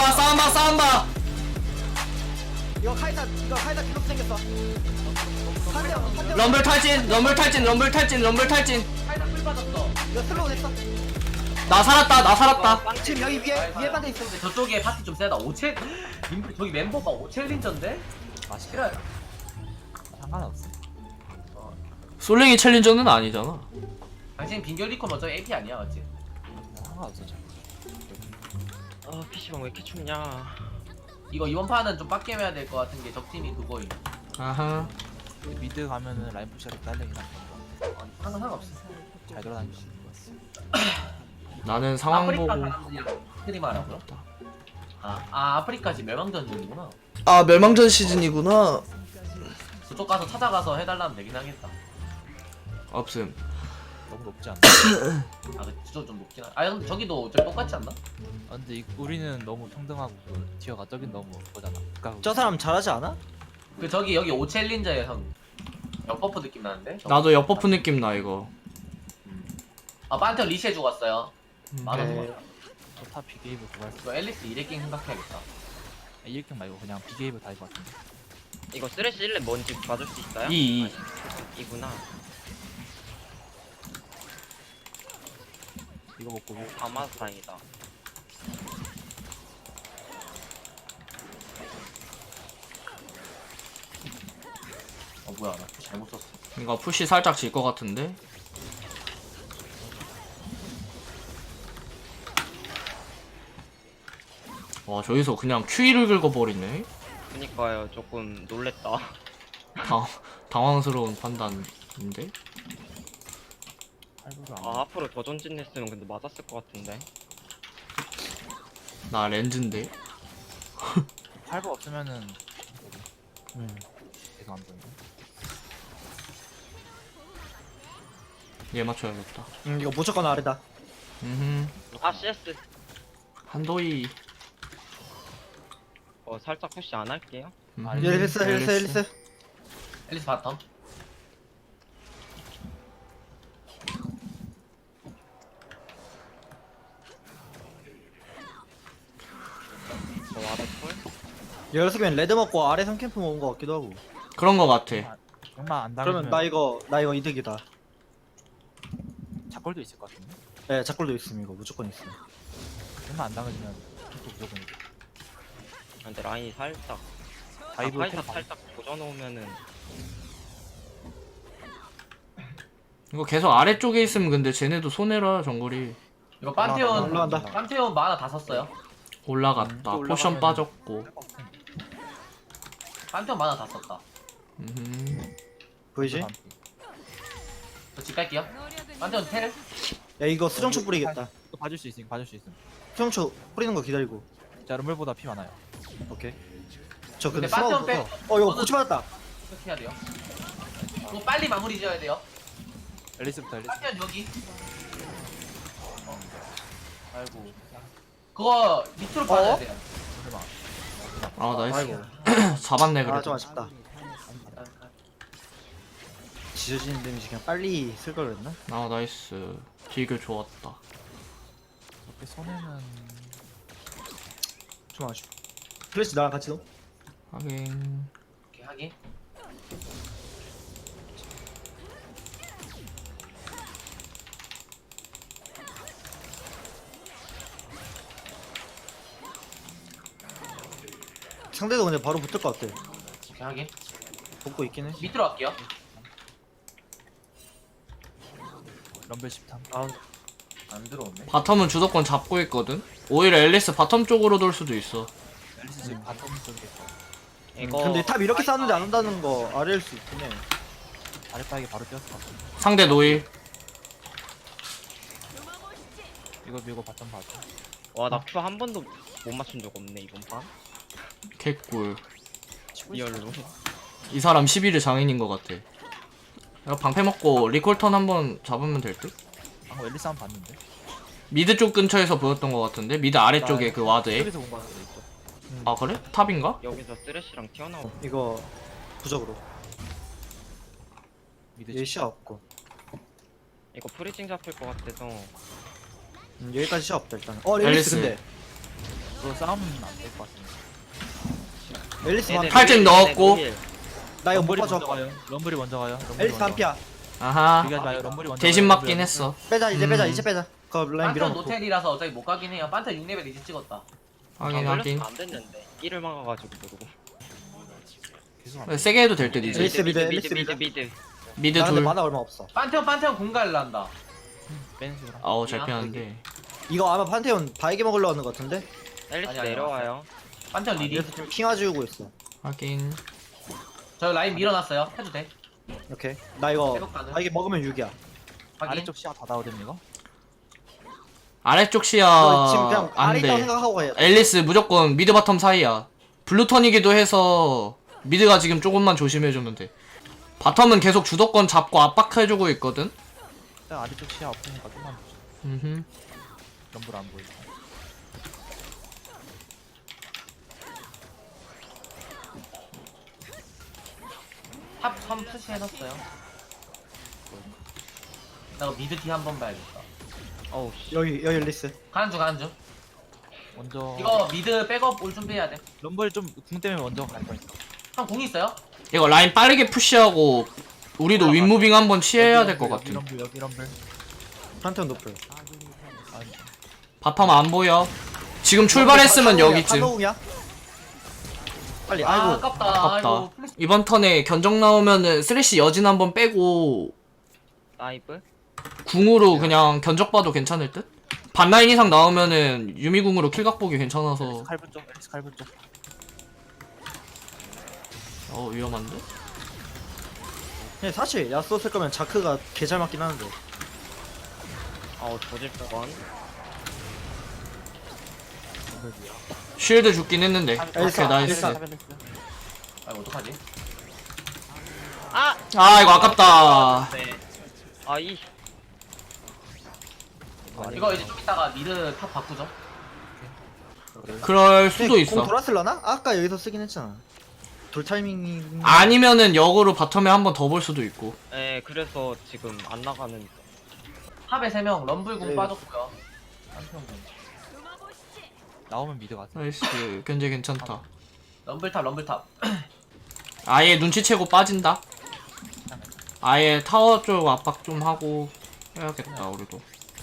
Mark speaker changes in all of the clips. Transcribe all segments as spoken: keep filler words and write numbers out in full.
Speaker 1: 봐 싸움 봐 싸움 봐.
Speaker 2: 이거 카이사 이거 카이사 기록 생겼어. 한대요 한대요.
Speaker 1: 럼블 탈진 럼블 탈진 럼블 탈진 럼블 탈진.
Speaker 3: 팔다 풀 빠졌어.
Speaker 2: 이거 슬로우 됐어.
Speaker 1: 나 살았다 나 살았다.
Speaker 2: 지금 여기 위에 위에 반대 있어.
Speaker 3: 근데 저쪽에 파티 좀 세다. 오체 인플 저기 멤버가 오챌린저인데?
Speaker 4: 맛있다.
Speaker 3: 싫어요.
Speaker 4: 상관없어.
Speaker 1: 솔랭이 챌린저는 아니잖아.
Speaker 3: 당신 빈결 리콘 먼저 에이피 아니야, 맞지?
Speaker 4: 상관없어. 저.
Speaker 5: 아 피시방 왜 이렇게 춥냐.
Speaker 3: 이거 이번 판은 좀 빡겜해야 될 것 같은 게 적팀이 그거임.
Speaker 1: 아하.
Speaker 4: 미드 가면은 라인 푸시하기 딸리긴 한데
Speaker 3: 어, 상관 상관없어.
Speaker 4: 잘 돌아다닐 수 있는 것 같아.
Speaker 1: 나는 상황
Speaker 3: 아프리카
Speaker 1: 보고.
Speaker 3: 사람들이랑 스트림 하라고요? 아, 아 아프리카지 멸망전 중이구나.
Speaker 1: 아 멸망전 시즌이구나.
Speaker 3: 그쪽 가서 찾아가서 해달라면 되긴 하겠다.
Speaker 1: 없음.
Speaker 4: 너무 높지 않나?
Speaker 3: 아, 그 그쪽 좀 높긴 하. 아, 근데 저기도 저 똑같지 않나?
Speaker 4: 아, 근데 이, 우리는 너무 평등하고 그 티어가 저긴 너무 그거잖아. 그러니까
Speaker 2: 저 사람 잘하지 않아?
Speaker 3: 그 저기 여기 오챌린저의 형 역버프 느낌 나는데? 저거.
Speaker 1: 나도 역버프 느낌 나 이거.
Speaker 3: 아, 판테온 리시해 죽었어요. 많아
Speaker 2: 네.
Speaker 3: 죽었어.
Speaker 4: 타 비게이브 그거
Speaker 3: 이거 앨리스 이레킹 생각해야겠다.
Speaker 4: 이렇게 말고 그냥 비게이브 다할 것 같은데.
Speaker 5: 이거 쓰레쉬 일렙 뭔지 봐줄 수 있어요?
Speaker 1: 이, 이.
Speaker 5: 아니, 이구나.
Speaker 4: 이거 먹고 뭐
Speaker 5: 다 맞아서 다행이다.
Speaker 3: 어 뭐야, 나 잘못 썼어.
Speaker 1: 이거 푸시 살짝 질 것 같은데. 와 저기서 그냥 큐이를 긁어버리네.
Speaker 5: 그니까요 조금 놀랬다.
Speaker 1: 당 당황스러운 판단인데.
Speaker 4: 할부를 안
Speaker 5: 아 앞으로 더 전진했으면 근데 맞았을 것 같은데.
Speaker 1: 나 렌즈인데.
Speaker 4: 할부 없으면은
Speaker 2: 음.
Speaker 4: 계속 안 보이네.
Speaker 1: 얘 맞춰야겠다.
Speaker 2: 음 이거 무조건 아래다.
Speaker 1: 음.
Speaker 5: 아 씨에스.
Speaker 1: 한도이.
Speaker 5: 어 살짝 푸시 안 할게요.
Speaker 1: 음,
Speaker 4: 아,
Speaker 2: 앨리스 앨리스 앨리스.
Speaker 3: 앨리스 바텀.
Speaker 5: 저 와드 풀.
Speaker 2: 여기서 그냥 레드 먹고 아래 삼캠프 먹은 거 같기도 하고.
Speaker 1: 그런 거 같아.
Speaker 4: 정말 안 당하면
Speaker 2: 그러면 나 이거 나 이거 이득이다.
Speaker 4: 작골도 있을 것 같은데.
Speaker 2: 예, 작골도 있음 이거 무조건 있음.
Speaker 4: 정말 안 당하면 또 무조건 이겨.
Speaker 5: 아, 근데 라인이 살짝.
Speaker 4: 다이브
Speaker 5: 아, 파이사
Speaker 4: 템
Speaker 5: 살짝 도전오면은
Speaker 1: 이거 계속 아래쪽에 있으면 근데 쟤네도 손해라 정글이.
Speaker 3: 이거 판테온
Speaker 2: 올라간다.
Speaker 3: 판테온 만화 다 썼어요.
Speaker 1: 올라갔다.
Speaker 4: 음, 또
Speaker 1: 포션
Speaker 4: 올라가면은-
Speaker 1: 빠졌고.
Speaker 3: 판테온 만화 다 썼다.
Speaker 1: 음.
Speaker 2: 보이지?
Speaker 3: 저집 갈게요. 판테온 텔.
Speaker 2: 야 이거 수정초 뿌리겠다.
Speaker 4: 또 봐줄 수 있으니까 봐줄 수 있음.
Speaker 2: 수정초 뿌리는 거 기다리고.
Speaker 4: 자 rum블보다 피 많아요.
Speaker 2: 오케이. 저 근데
Speaker 3: 근데 빠져,
Speaker 2: 스마우
Speaker 3: 빼.
Speaker 2: 어 이거 고치 받았다.
Speaker 3: 어떻게 해야 돼요? 이거 빨리 마무리 지어야 돼요.
Speaker 4: 앨리스부터 앨리스.
Speaker 3: 판테온 여기.
Speaker 4: 아이고.
Speaker 3: 그거 밑으로 빠져야 돼요.
Speaker 4: 설마.
Speaker 1: 아 나이스.
Speaker 2: 아이고.
Speaker 1: 잡았네
Speaker 2: 아
Speaker 1: 그래도.
Speaker 2: 좀 아쉽다. 지져지는 데미지 그냥 빨리 쓸 걸 그랬나?
Speaker 1: 아 나이스. 딜교 좋았다.
Speaker 4: 옆에 손에는
Speaker 2: 좀 아쉽. 플래시 나랑 같이 넣어.
Speaker 1: 하긴.
Speaker 3: 오케이, 하긴.
Speaker 2: 상대도 근데 바로 붙을 것 같아.
Speaker 3: 오케이, 하긴.
Speaker 2: 붙고 있긴 해.
Speaker 3: 밑으로 갈게요.
Speaker 4: 럼블 십탐.
Speaker 2: 아
Speaker 3: 안 들어오네.
Speaker 1: 바텀은 주도권 잡고 있거든. 오히려 앨리스 바텀 쪽으로 돌 수도 있어.
Speaker 4: 앨리스 지금 바텀 쪽에 있어.
Speaker 5: 이거
Speaker 2: 근데 탑 이렇게 싸는데 안 온다는 거 아래일 수 있긴 해.
Speaker 4: 아랫바닥에 바로 뛰었을 것 같아.
Speaker 1: 상대 노일.
Speaker 4: 이거 밀고 바텀 봐줘.
Speaker 5: 와나 큐 한 번도 못 맞춘 적 없네 이번 판.
Speaker 1: 개꿀.
Speaker 5: 리얼로.
Speaker 1: 이 사람 십일 일 장인인 것 같아. 이거 방패 먹고 리콜턴 한번 잡으면 될 듯?
Speaker 4: 방금 앨리스 한번 봤는데.
Speaker 1: 미드 쪽 근처에서 보였던 것 같은데? 미드 아래쪽에 그 와드에.
Speaker 4: 여기서 본 거 같은데 있죠.
Speaker 1: 아 그래? 탑인가?
Speaker 5: 여기서 쓰레쉬랑 튀어나오.
Speaker 2: 이거 부적으로.
Speaker 4: 미드
Speaker 2: 얘 시야 없고.
Speaker 5: 이거 프리징 잡힐 것 같아서.
Speaker 2: 음, 여기까지 시야 없다 일단. 어 앨리스
Speaker 1: 앨리스.
Speaker 2: 근데
Speaker 4: 그거 싸우면 안 될 것 같은데.
Speaker 2: 앨리스
Speaker 5: 얘네
Speaker 2: 반피.
Speaker 1: 팔 점
Speaker 5: 노힐,
Speaker 1: 넣었고.
Speaker 5: 얘네 노힐.
Speaker 2: 나 이거 못
Speaker 4: 럼블이
Speaker 2: 봐줘.
Speaker 4: 먼저 가요. 럼블이 먼저 가요. 럼블이
Speaker 2: 앨리스
Speaker 4: 먼저.
Speaker 2: 반피야.
Speaker 1: 아하.
Speaker 4: 얘기하지 마요. 럼블이 먼저.
Speaker 1: 대신
Speaker 4: 가요.
Speaker 1: 맞긴
Speaker 4: 럼블이
Speaker 1: 했어.
Speaker 2: 빼자 이제 빼자
Speaker 1: 음.
Speaker 2: 이제 빼자. 그 라인
Speaker 3: 판테온
Speaker 2: 밀어놓고.
Speaker 3: 노텔이라서 어차피 못 가긴 해요. 판테온 육 레벨 이제 찍었다.
Speaker 1: 확인
Speaker 5: 아,
Speaker 1: 확인.
Speaker 5: 걸렸으면 안 됐는데. 일을 막아가지고 모르고.
Speaker 4: 계속 안 돼.
Speaker 1: 세게 해도 될 듯 이제.
Speaker 2: 앨리스 미드,
Speaker 5: 미드
Speaker 2: 앨리스
Speaker 5: 미드
Speaker 2: 미드.
Speaker 5: 미드.
Speaker 1: 미드
Speaker 2: 나 근데
Speaker 1: 둘.
Speaker 2: 만화 얼마 없어.
Speaker 3: 판테온 판테온 공갈을 한다.
Speaker 4: 빼는 식으로.
Speaker 1: 아우 잘 피하는데.
Speaker 2: 이거 아마 판테온 바이게 먹으려 하는 것 같은데?
Speaker 5: 앨리스
Speaker 3: 아니, 아니,
Speaker 5: 내려와요.
Speaker 3: 판테온 리리.
Speaker 2: 그래서 지금 핑화 지우고 있어.
Speaker 1: 확인.
Speaker 3: 저 라인 밀어놨어요. 해도 돼.
Speaker 2: 오케이. 나 이거
Speaker 3: 회복 가능.
Speaker 2: 바이게 먹으면 육이야.
Speaker 3: 확인.
Speaker 4: 아래쪽 시야 다 나오든 이거.
Speaker 1: 아래쪽 시야
Speaker 2: 이거 지금 그냥
Speaker 1: 안
Speaker 2: 아래 있다고
Speaker 1: 돼.
Speaker 2: 생각하고 해야 돼.
Speaker 1: 앨리스 무조건 미드 바텀 사이야. 블루턴이기도 해서 미드가 지금 조금만 조심해주면 돼. 바텀은 계속 주도권 잡고 압박해주고 있거든.
Speaker 4: 일단 아래쪽 시야 없으니까 좀만 보자.
Speaker 1: 음흠.
Speaker 4: 럼블 안 보이고.
Speaker 3: 탑 삼 푸시 해놨어요. 나 이거 미드 뒤 한번 봐야겠다.
Speaker 5: 어우 씨.
Speaker 2: 여기 여기 앨리스.
Speaker 3: 가는 중 가는 중.
Speaker 4: 먼저.
Speaker 3: 이거 미드 백업 올 준비해야 돼.
Speaker 4: 럼블 좀 궁 때문에 먼저 갈 거니까.
Speaker 3: 형 공 있어요?
Speaker 1: 이거 라인 빠르게 푸시하고 우리도 윗무빙 한번 취해야 될 것
Speaker 4: 여기
Speaker 1: 같아.
Speaker 4: 럼블 여기 럼블.
Speaker 2: 판테온 높을.
Speaker 1: 바텀 안 보여. 지금 출발했으면 여기쯤.
Speaker 2: 한호웅이야? 빨리.
Speaker 3: 아,
Speaker 2: 아이고.
Speaker 3: 아깝다.
Speaker 1: 아깝다.
Speaker 3: 아이고, 플래시.
Speaker 1: 이번 턴에 견적 나오면은 쓰레쉬 여진 한번 빼고
Speaker 5: 나이프.
Speaker 1: 궁으로 그냥 견적 봐도 괜찮을 듯? 반라인 이상 나오면은 유미궁으로 킬각 보기 괜찮아서.
Speaker 4: 칼분 쪽. 앨리스 칼분 쪽.
Speaker 1: 어 위험한데?
Speaker 2: 근데 사실 야스오 쓸 거면 자크가 개 잘 맞긴 하는데.
Speaker 5: 어우 조질 뻔.
Speaker 4: 럼블이야.
Speaker 1: 쉴드 죽긴 했는데.
Speaker 2: 엘사,
Speaker 1: 오케이 나이스.
Speaker 2: 엘사.
Speaker 3: 아이고 어떡하지?
Speaker 5: 아.
Speaker 1: 아 이거 아깝다.
Speaker 5: 네. 아이.
Speaker 3: 이거 이제 좀 이따가 미드 탑 바꾸죠.
Speaker 1: 그럴 수도
Speaker 2: 공
Speaker 1: 있어.
Speaker 2: 돌았을라나? 아까 여기서 쓰긴 했잖아. 돌 타이밍이.
Speaker 1: 아니면은 역으로 바텀에 한 번 더 볼 수도 있고.
Speaker 5: 네 그래서 지금 안 나가는.
Speaker 3: 탑에 세 명 럼블 공
Speaker 2: 네.
Speaker 3: 빠졌고요. 판테온 공.
Speaker 4: 나오면 미드 가자.
Speaker 1: 나이스. 견제 괜찮다.
Speaker 3: 럼블 탑 럼블 탑.
Speaker 1: 아예 눈치채고 빠진다. 아예 타워 쪽 압박 좀 하고 해야겠다 우리도.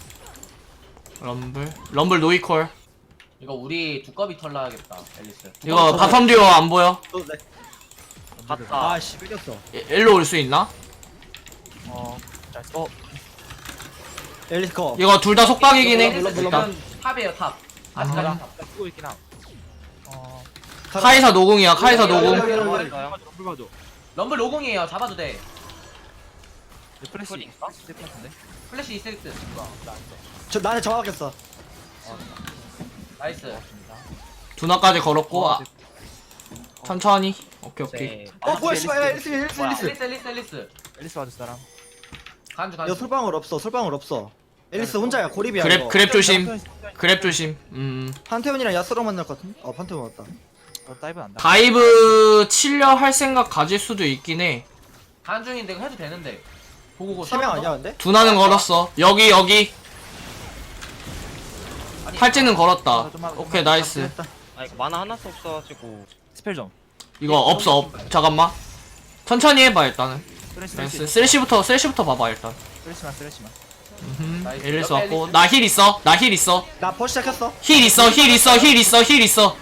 Speaker 1: 럼블 럼블 노이콜.
Speaker 3: 이거 우리 두꺼비 털나야겠다. 앨리스.
Speaker 1: 이거 바텀 듀오 안 보여?
Speaker 2: 또 네.
Speaker 5: 갔다.
Speaker 2: 아씨 뺏겼어.
Speaker 1: 이- 일로 올 수 있나?
Speaker 4: 어. 잘 써. 어.
Speaker 2: 앨리스 커.
Speaker 1: 이거 둘 다 속박이긴 해.
Speaker 3: 앨리스
Speaker 1: 일단
Speaker 3: 지금 탑이에요 탑. 아직까지
Speaker 1: 아.
Speaker 3: 탑.
Speaker 4: 쓰고 있긴 함. 어.
Speaker 1: 카이사 노공이야. 카이사 노공.
Speaker 2: 여기, 여기, 여기.
Speaker 5: 가요.
Speaker 4: 럼블 봐줘.
Speaker 3: 럼블 로공이에요. 잡아도 돼.
Speaker 4: 플래시
Speaker 5: 콜이
Speaker 4: 있어? 있을 것 같은데.
Speaker 3: 플래시 있을 듯.
Speaker 2: 저 나한테 정확했어.
Speaker 3: 나이스.
Speaker 4: 고맙습니다.
Speaker 1: 두나까지 걸었고
Speaker 4: 어,
Speaker 1: 아, 천천히. 오케이 오케이.
Speaker 5: 네.
Speaker 2: 어 뭐야 씨발 앨리스 앨리스
Speaker 3: 뭐야,
Speaker 2: 앨리스.
Speaker 3: 앨리스 앨리스 앨리스.
Speaker 4: 앨리스 봐줄 사람.
Speaker 3: 간주
Speaker 2: 야
Speaker 3: 간주.
Speaker 2: 솔방울 없어 솔방울 없어. 앨리스 혼자야 고립이야.
Speaker 1: 그랩
Speaker 2: 이거.
Speaker 1: 그랩 조심. 그랩 조심. 음.
Speaker 2: 판테온이랑 야스랑 만날 것 같은데? 어 판테온 왔다.
Speaker 4: 어, 다이브 안다.
Speaker 1: 다이브 치려 할 생각 가질 수도 있긴 해.
Speaker 3: 간중인데 이거 해도 되는데. 보고
Speaker 2: 세 명 아니야 근데?
Speaker 1: 두나는 걸었어. 여기 여기. 팔찌는 걸었다. 오케이 나이스.
Speaker 2: 됐다.
Speaker 5: 아 이거 만화 하나도 없어가지고.
Speaker 4: 스펠 좀.
Speaker 1: 이거 없어 없. 잠깐만. 천천히 해봐 일단은.
Speaker 4: 쓰레시
Speaker 1: 나이스.
Speaker 4: 쓰레시.
Speaker 1: 쓰레쉬부터 쓰레쉬부터 봐봐 일단.
Speaker 4: 쓰레시만 쓰레시만.
Speaker 1: 음.
Speaker 3: 나이스.
Speaker 1: 앨리스
Speaker 3: 옆에
Speaker 1: 왔고
Speaker 3: 앨리스.
Speaker 1: 나 힐 있어. 나 힐 있어.
Speaker 2: 나 퍼 시작했어.
Speaker 1: 힐 있어. 힐 있어. 힐 있어. 힐 있어.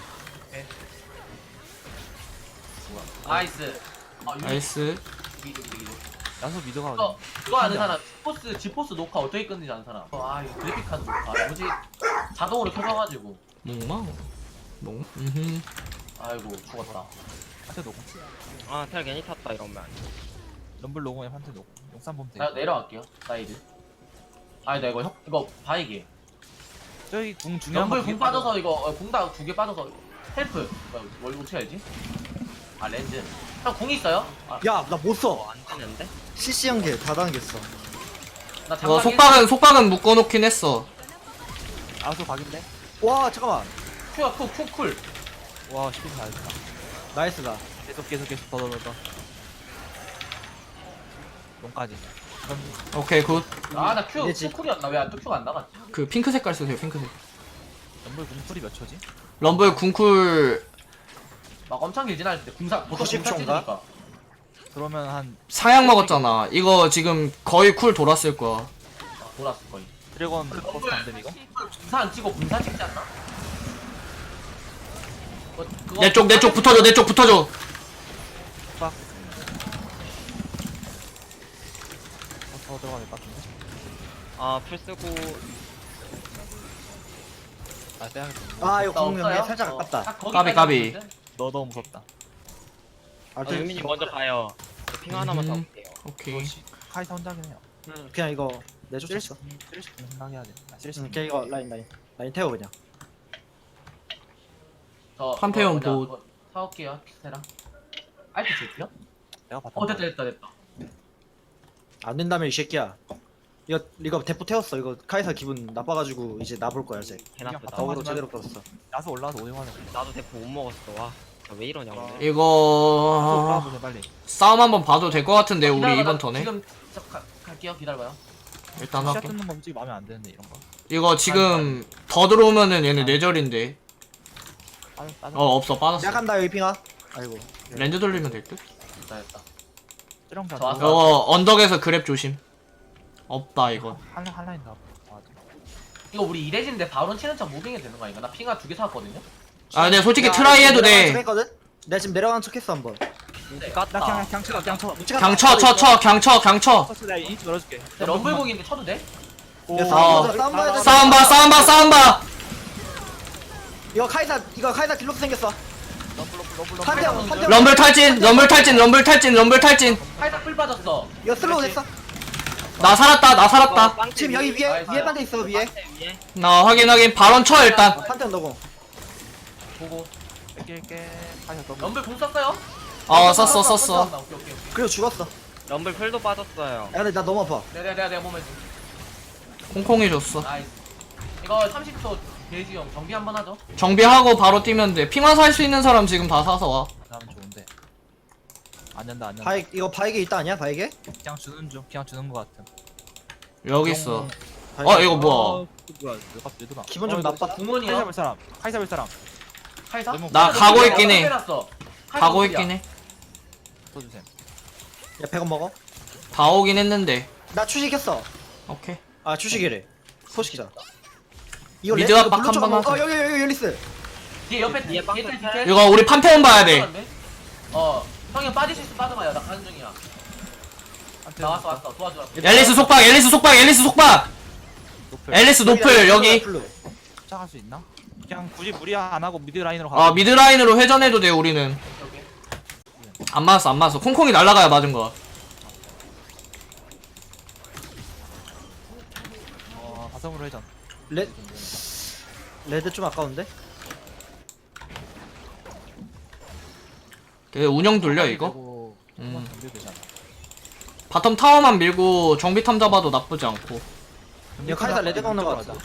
Speaker 3: 나이스. 아, 유리.
Speaker 1: 나이스.
Speaker 3: 미드 미드 미드.
Speaker 4: 야수 미드가
Speaker 3: 이거 그거 아는 사람 지포스 지포스 녹화 어떻게 끊는지 아는 사람. 아 이거 그래픽 카드 녹화 뭐지 자동으로 켜져가지고.
Speaker 1: 목마. 목. 음.
Speaker 3: 아이고 죽었다.
Speaker 4: 판테 노공.
Speaker 5: 아 텔 괜히 탔다 이러면.
Speaker 4: 럼블 노공에 판테 노공. 용산 보면 돼.
Speaker 3: 나 내려갈게요. 사이드. 아니 나 이거 형 이거 바이게.
Speaker 4: 저기 궁 중요한
Speaker 3: 연불
Speaker 4: 거
Speaker 3: 궁
Speaker 4: 되게
Speaker 3: 빠져서 이거 어, 궁다 두 개 빠져서 헬프. 뭘 어떻게 알지? 아 렌즈. 형 궁 있어요? 아,
Speaker 2: 야 나 못 써.
Speaker 5: 어안 되는데?
Speaker 2: 씨씨 연계 다 당겼어.
Speaker 3: 나
Speaker 1: 이거
Speaker 3: 장갑
Speaker 1: 속박은 속박은 묶어놓긴 했어.
Speaker 4: 아수 각인데?
Speaker 2: 와 잠깐만.
Speaker 3: 큐야 큐큐 쿨.
Speaker 4: 와 쉽게 잘했다.
Speaker 2: 나이스다.
Speaker 4: 계속 계속 계속 더 더 더 더. 용까지. 그럼
Speaker 1: 오케이 굿.
Speaker 3: 아나 큐
Speaker 2: 이제
Speaker 3: 큐 쿨이었나 왜 또 큐가 안 나갔지?
Speaker 1: 그 핑크 색깔 쓰세요 핑크색.
Speaker 4: 럼블 궁풀이 몇 초지?
Speaker 1: 럼블 궁쿨
Speaker 3: 막 엄청 길진 않을 때 궁사 보통
Speaker 2: 구십
Speaker 3: 궁사
Speaker 2: 초인가?
Speaker 3: 찌니까.
Speaker 4: 그러면 한
Speaker 1: 상향 먹었잖아. 이거 지금 거의 쿨 돌았을 거야.
Speaker 3: 아, 돌았어 거의.
Speaker 4: 드래곤 버스트 안됨 이거?
Speaker 3: 궁사 안 치고 궁사 찍지 않나? 어, 그거
Speaker 1: 내 쪽 내 쪽 붙어줘. 내 쪽 붙어줘.
Speaker 4: 빡. 더, 더 들어가야 될 것 같은데?
Speaker 5: 아풀 쓰고
Speaker 4: 아 빼야겠다.
Speaker 2: 아 이거
Speaker 3: 나
Speaker 2: 공룡이
Speaker 3: 없어요?
Speaker 2: 살짝
Speaker 3: 어,
Speaker 2: 아깝다.
Speaker 3: 딱 거기까지
Speaker 1: 까비, 까비.
Speaker 3: 있는데?
Speaker 4: 너 너무 무섭다.
Speaker 2: 아,
Speaker 5: 어,
Speaker 2: 좀-
Speaker 5: 유민이 먼저 가요. 저핑 하나만
Speaker 1: 음.
Speaker 5: 잡을게요.
Speaker 1: 오케이.
Speaker 4: 이거 시- 카이사 혼자긴 해요.
Speaker 2: 음, 그냥 이거 내쫓았어.
Speaker 4: 쓰레쉬 쓰레쉬 좀 생각해야 돼. 아 쓰레쉬.
Speaker 2: 응, 그냥 이거 라인 라인 라인 태워 그냥.
Speaker 3: 저
Speaker 1: 판테온
Speaker 3: 그거
Speaker 1: 보-
Speaker 3: 뭐냐, 그거 사올게요 키세랑. 알트 제트요?
Speaker 4: 내가 봤다.
Speaker 3: 어 됐다 됐다 됐다.
Speaker 2: 안 된다면 이 새끼야. 이거 이거 대포 태웠어. 이거 카이사 기분 나빠가지고 이제 나볼 거야 이제.
Speaker 5: 개나쁘다.
Speaker 4: 어,
Speaker 2: 어그로
Speaker 4: 하지만-
Speaker 2: 제대로 끌었어.
Speaker 4: 야수 올라와서 오징어는.
Speaker 5: 나도 대포 못 먹었어. 와, 나왜 이러냐 오늘.
Speaker 1: 이거
Speaker 4: 올라와보세요 빨리.
Speaker 1: 싸움 한번 봐도 될 것 같은데 우리
Speaker 3: 기다려봐,
Speaker 1: 이번
Speaker 3: 나
Speaker 1: 턴에
Speaker 3: 지금 저, 가, 갈게요 기다려봐요.
Speaker 1: 일단
Speaker 4: 시야
Speaker 1: 할게.
Speaker 4: 뜯는 거 솔직히 마음에 안 드는데 이런 거.
Speaker 1: 이거 지금 더 들어오면은 얘네 뇌절인데.
Speaker 4: 빠져 빠져.
Speaker 1: 어 없어 빠졌어.
Speaker 2: 약간다 여기 핑아. 아이고.
Speaker 1: 렌즈 돌리면 될 듯.
Speaker 3: 됐다 됐다.
Speaker 4: 찌렁
Speaker 3: 저 왔어.
Speaker 1: 이거 언덕에서 그랩 조심. 없다 이거.
Speaker 4: 한 한라인 더. 맞아.
Speaker 3: 이거 우리 이레진인데 바론 치는 척 무빙이 되는 거 아닌가? 나 핑하 두 개 사왔거든요?
Speaker 1: 아 근데 솔직히
Speaker 2: 야,
Speaker 1: 트라이 해도
Speaker 2: 내려가는
Speaker 1: 돼.
Speaker 2: 척 했거든? 내가 지금 내려가는 척했어 한번.
Speaker 3: 네.
Speaker 4: 나 그냥 그냥 쳐 그냥 쳐.
Speaker 1: 그냥 쳐 쳐 쳐 그냥 쳐 그냥 쳐.
Speaker 4: 서스 내가 인치 열어줄게.
Speaker 3: 네, 럼블곡인데 쳐도 돼?
Speaker 2: 야,
Speaker 1: 어.
Speaker 2: 싸움 보자, 싸움 봐야 돼.
Speaker 1: 싸움 봐 싸움 봐 싸움 봐.
Speaker 2: 이거 카이사 이거 카이사 딜로스 생겼어.
Speaker 4: 럼블 럼블 럼블
Speaker 2: 한 대, 한 대.
Speaker 1: 럼블 탈진 럼블 탈진 럼블 탈진 럼블 탈진.
Speaker 3: 살짝 뿔 빠졌어.
Speaker 2: 이거 슬로우 됐어.
Speaker 1: 나 살았다 나 살았다.
Speaker 5: 빵
Speaker 2: 지금 여기 위에
Speaker 3: 나이스.
Speaker 2: 위에 반대 있어 위에.
Speaker 5: 위에.
Speaker 1: 나 확인 확인 발언 쳐 일단.
Speaker 2: 어, 판테온 너고.
Speaker 3: 보고.
Speaker 4: 뺄게. 카이사 더블.
Speaker 3: 럼블 공 썼어요?
Speaker 1: 어 썼어 썼어.
Speaker 3: 썼다. 오케이 오케이.
Speaker 2: 그리고 죽었어. 야
Speaker 5: 럼블 풀도 빠졌어요.
Speaker 2: 근데 나 너무 아파.
Speaker 3: 내가 내가 내가 몸에 좀.
Speaker 1: 콩콩이 줬어.
Speaker 3: 나이스. 이거 삼십 초 대지용 정비 한번 하죠.
Speaker 1: 정비하고 바로 뛰면 돼. 핑화 살 수 있는 사람 지금 다 사서 와.
Speaker 4: 나는 좋은데. 안 된다 안 된다.
Speaker 2: 바이 이거 바이게 있다 아니야 바이게?
Speaker 4: 그냥 주는 중 그냥 주는 거 같음.
Speaker 1: 여기 있어.
Speaker 2: 바이게.
Speaker 1: 어 이거 뭐야?
Speaker 4: 어, 뭐야? 내가 얘들아.
Speaker 2: 기분 좀
Speaker 4: 어, 이거
Speaker 2: 나빠.
Speaker 4: 카이사
Speaker 3: 구몬이요?
Speaker 4: 볼 사람. 카이사 볼 사람.
Speaker 3: 카이사?
Speaker 4: 너무-
Speaker 1: 나 가고 있긴 해.
Speaker 3: 해놨어.
Speaker 1: 가고 있긴 해.
Speaker 4: 써주세요.
Speaker 2: 야 백 원 먹어.
Speaker 1: 다 오긴 했는데.
Speaker 2: 나 추식했어.
Speaker 1: 오케이.
Speaker 2: 아 추식이래. 소식이잖아. 이거
Speaker 1: 미드
Speaker 2: 레-
Speaker 1: 압박
Speaker 2: 이거 블루
Speaker 1: 한번
Speaker 2: 쪽으로-
Speaker 1: 하자.
Speaker 2: 어 여기 여기 여기 앨리스.
Speaker 3: 뒤에 옆에
Speaker 5: 뒤에
Speaker 3: 뒤에
Speaker 5: 빵
Speaker 3: 뒤에
Speaker 5: 털.
Speaker 3: 뒤에.
Speaker 1: 이거 우리 판테온 봐야 돼.
Speaker 3: 어. 형이 빠질 수 있어 빠져봐요. 나 가는 중이야. 나 왔어 왔어 도와줘.
Speaker 1: 앨리스 속박 앨리스 속박 앨리스 속박.
Speaker 4: 노플.
Speaker 1: 앨리스 노플 여기.
Speaker 2: 블루.
Speaker 4: 시작할 수 있나? 그냥 굳이 무리 안 하고 미드 라인으로 가.
Speaker 1: 어 미드 라인으로 회전해도 돼 우리는.
Speaker 3: 오케이.
Speaker 1: 안 맞았어 안 맞았어. 콩콩이 날라가야 맞은 거.
Speaker 4: 어 바텀으로 회전.
Speaker 2: 레 레드 좀 아까운데?
Speaker 1: 그 운영 돌려 이거.
Speaker 4: 그리고
Speaker 1: 음.
Speaker 4: 한번 정비 되잖아.
Speaker 1: 바텀 타워만 밀고 정비탐 잡아도 나쁘지 않고.
Speaker 2: 이거 카이사 레드 먹는 거 같아.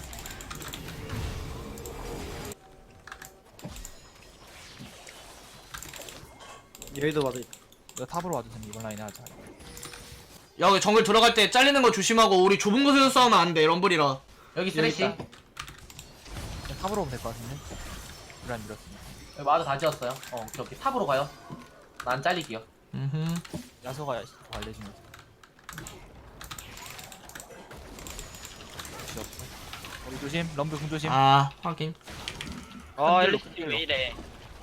Speaker 2: 여기도 봐도 있다.
Speaker 4: 이거 탑으로 와주세요. 이번 라인에 하자.
Speaker 1: 여기 정글 들어갈 때 잘리는 거 조심하고 우리 좁은 곳에서 싸우면 안 돼 럼블이라.
Speaker 3: 여기 쓰레쉬.
Speaker 4: 그냥 탑으로 오면 될 것 같은데. 라인 밀었으니까.
Speaker 3: 여기 마드 다 지었어요. 어 오케이 오케이 탑으로 가요. 난 잘릴게요.
Speaker 1: 음흠.
Speaker 4: 야소가 더 알려주면서. 역시 없어. 우리 조심. 럼블 궁 조심.
Speaker 1: 아 확인.
Speaker 5: 어
Speaker 4: 한
Speaker 5: 앨리스
Speaker 4: 딜로
Speaker 5: 왜 이래?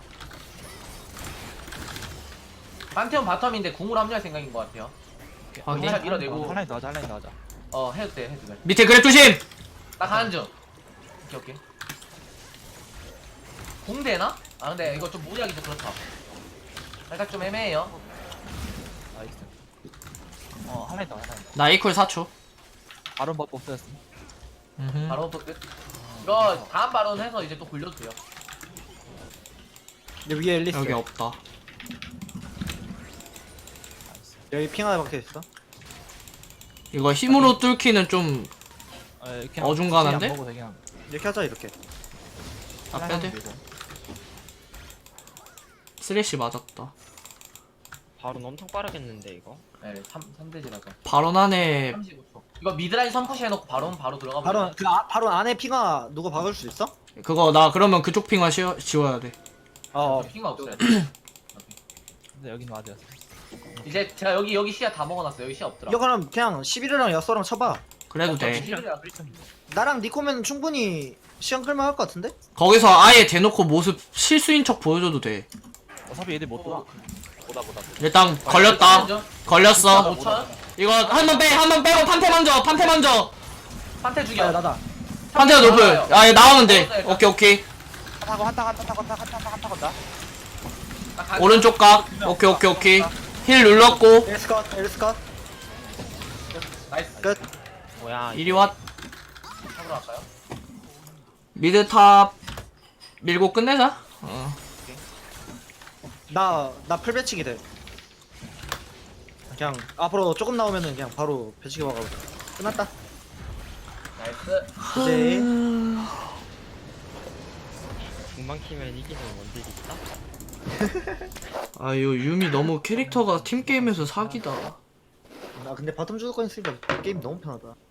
Speaker 3: 판테온 바텀인데 궁으로 합류할 생각인 것 같아요.
Speaker 1: 확인.
Speaker 3: 잘 밀어내고.
Speaker 4: 한라인 더 하자. 한라인 더 하자.
Speaker 3: 어 해도 돼 해도 돼.
Speaker 1: 밑에 그랩 조심.
Speaker 3: 나 가는 중. 오케이 오케이. 공 되나? 아 근데 이거 좀 무리하기 좀 그렇다. 살짝 좀 애매해요.
Speaker 4: 나이스. 어 한라인 더 한라인 더.
Speaker 1: 나 이퀄 사 초.
Speaker 4: 바론 버프 없어졌어.
Speaker 1: 음흠.
Speaker 3: 바로 또 끝. 이거 다음 발언 해서 이제 또 굴려도 돼요.
Speaker 2: 여기 위에 앨리스.
Speaker 1: 여기 없다.
Speaker 2: 여기 핑 하나 박혀 있어.
Speaker 1: 이거 힘으로 뚫기는 좀
Speaker 4: 어, 이렇게
Speaker 1: 어중간한데?
Speaker 4: 안 먹어도 되긴 함.
Speaker 2: 이렇게 하자 이렇게.
Speaker 1: 아,
Speaker 4: 한라인
Speaker 1: 빼돼.
Speaker 4: 밀고.
Speaker 1: 쓰레쉬 맞았다.
Speaker 5: 바로 엄청 빠르겠는데 이거.
Speaker 3: 네, 삼, 삼 대지라서.
Speaker 1: 발언 안에
Speaker 3: 삼십오 초. 이거 미드라인 선푸시 해놓고 바로 바로 들어가면
Speaker 2: 바로 그 아, 바로 안에 핑하 누가 박을 수 있어?
Speaker 1: 그거 나 그러면 그쪽 핑만 씌워, 지워야 돼.
Speaker 2: 어.
Speaker 3: 핑가 없어요.
Speaker 4: 근데 여기는 와드였어.
Speaker 3: 이제 제가 여기 여기 시야 다 먹어놨어요. 여기 시야 없더라.
Speaker 2: 이거 그럼 그냥 십일이랑 여섯랑 쳐봐.
Speaker 1: 그래도 돼.
Speaker 3: 시비르랑
Speaker 2: 나랑 니코면 충분히 시간 끌만 할 것 같은데?
Speaker 1: 거기서 아예 대놓고 모습 실수인 척 보여줘도 돼.
Speaker 4: 어차피 얘들 못 돌아. 보다 보다.
Speaker 1: 일단 걸렸다. 걸렸어.
Speaker 3: 오천.
Speaker 1: 이거 한 번 빼, 한 번 빼고 판테 먼저, 판테 먼저.
Speaker 3: 판테
Speaker 2: 야
Speaker 3: 죽여.
Speaker 2: 나다.
Speaker 1: 판테가 높을. 아, 얘 나오면 돼. 오케이, 오케이.
Speaker 4: 타고 한타 한타 타고 한타 한타 한타 건다.
Speaker 1: 오른쪽 각. 오케이, 오케이, 오케이. 힐 눌렀고.
Speaker 2: 엘스컷 엘스컷
Speaker 3: 나이스.
Speaker 2: 끝.
Speaker 5: 뭐야?
Speaker 1: 이리 와.
Speaker 3: 잡으러 갈까요?
Speaker 1: 미드 탑 밀고 끝내자. 어.
Speaker 2: 나나 풀 배치기 돼. 그냥 앞으로 조금 나오면은 그냥 바로 배치기 박아. 끝났다.
Speaker 3: 나이스.
Speaker 2: 이제
Speaker 5: 중반 키면 이기는 원딜 있다.
Speaker 1: 아유, 유미 너무 캐릭터가 팀 게임에서 사기다.
Speaker 2: 나 근데 바텀 주도권 있으니까 게임 너무 편하다.